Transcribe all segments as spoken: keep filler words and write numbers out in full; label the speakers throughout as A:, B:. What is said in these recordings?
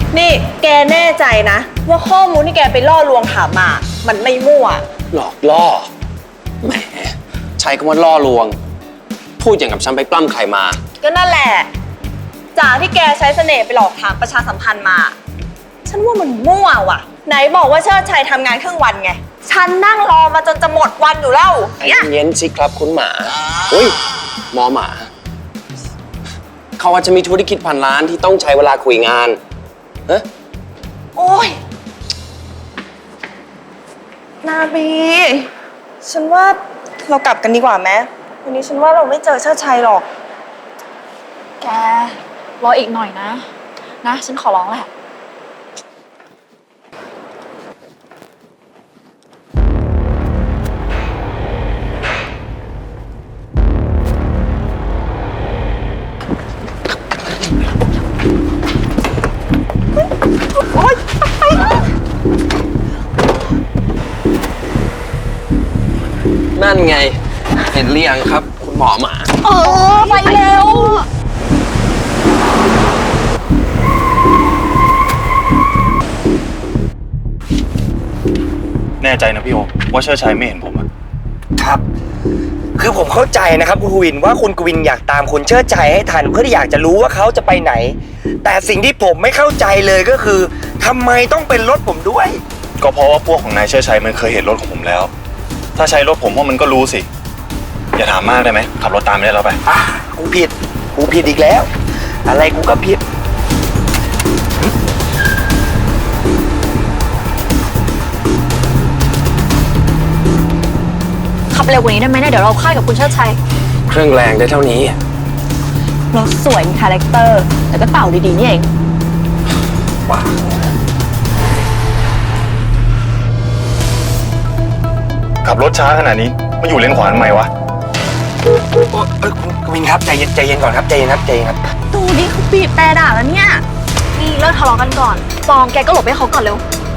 A: นี่แกแน่ใจนะว่าข้อมูลที่แกไปล่อลวงถามมามันไม่มั่ว
B: หลอกล่อแหมใช้คำว่าล่อลวงพูดอย่างกับฉันไปปล้ำใครมา
A: ก็นั่นแหละจากที่แกใช้เสน่ห์ไปหลอกถามประชาสัมพันธ์มาฉันว่ามันมั่วว่ะไหนบอกว่าเชิดชัยทำงานครึ่งวันไงฉันนั่งรอมาจนจะหมดวันอยู่แล้ว
B: เย็นสิครับคุณหมาอุ้ยหมอหมาเขาว่าจะมีธุรกิจพันล้านที่ต้องใช้เวลาคุยงานเฮ้ย
A: โอ้ยนาบีฉันว่าเรากลับกันดีกว่าไหมวันนี้ฉันว่าเราไม่เจอเชิดชัยหรอก
C: แกรออีกหน่อยนะนะฉันขอร้องแหละ
B: นั่นไงเห็นหรือยังครับคุณหมอหมา
C: เออไปเร็ว
D: แน่ใจนะพี่โอว่าเชิดชัยไม่เห็นผมอะ
E: ครับคือผมเข้าใจนะครับคุณกวินว่าคุณกวินอยากตามคุณเชิดชัยให้ทันเพื่อที่อยากจะรู้ว่าเขาจะไปไหนแต่สิ่งที่ผมไม่เข้าใจเลยก็คือทำไมต้องเป็นรถผมด้วย
D: ก็เพราะว่าพวกของนายเชิดชัยมันเคยเห็นรถของผมแล้วถ้าใช้รถผมพวกมันก็รู้สิอย่าถามมากได้ไหมขับรถตามไม่ได้แล้วไป
E: อ่ะกูผิดกูผิดอีกแล้วอะไรกูก็ผิด
C: ขับเร็วกว่านี้ได้ไหมเนี่ยเดี๋ยวเราค่ายกับคุณเชิดชัย
B: เครื่องแรงได้เท่านี้
C: รถสวยมีคาแรคเตอร์แต่ก็เต่าดีๆนี่เอง
E: ว้า
D: ขับรถช้าขนาดนี้มาอยู่เลนขวาทำไมวะ
E: เออคุณกวินครับใจเย็นใจเย็นก่อนครับใจเย็นครับใจเย็นครับ
C: ดูดิเขาบีบแต่ด่าแล้วเนี่ยนี่เลิกทะเลาะกันก่อนปองแกก็หลบให้เขาก่อนเร็ว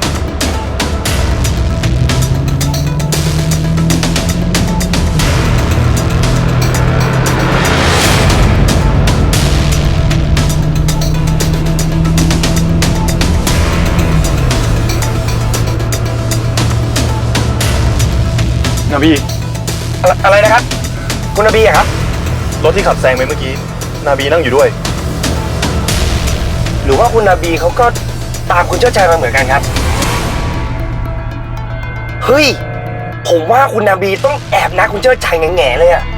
D: นาบี
E: อะไรนะครับคุณนบีครับ
D: รถที่ขับแซงไปเมื่อกี้นาบีนั่งอยู่ด้วย
E: หรือว่าคุณนบีเขาก็ตามคุณเชิดชัยมาเหมือนกันครับเฮ้ยผมว่าคุณนบีต้องแอบนัดคุณเชิดชัยแง่ๆเลยอะ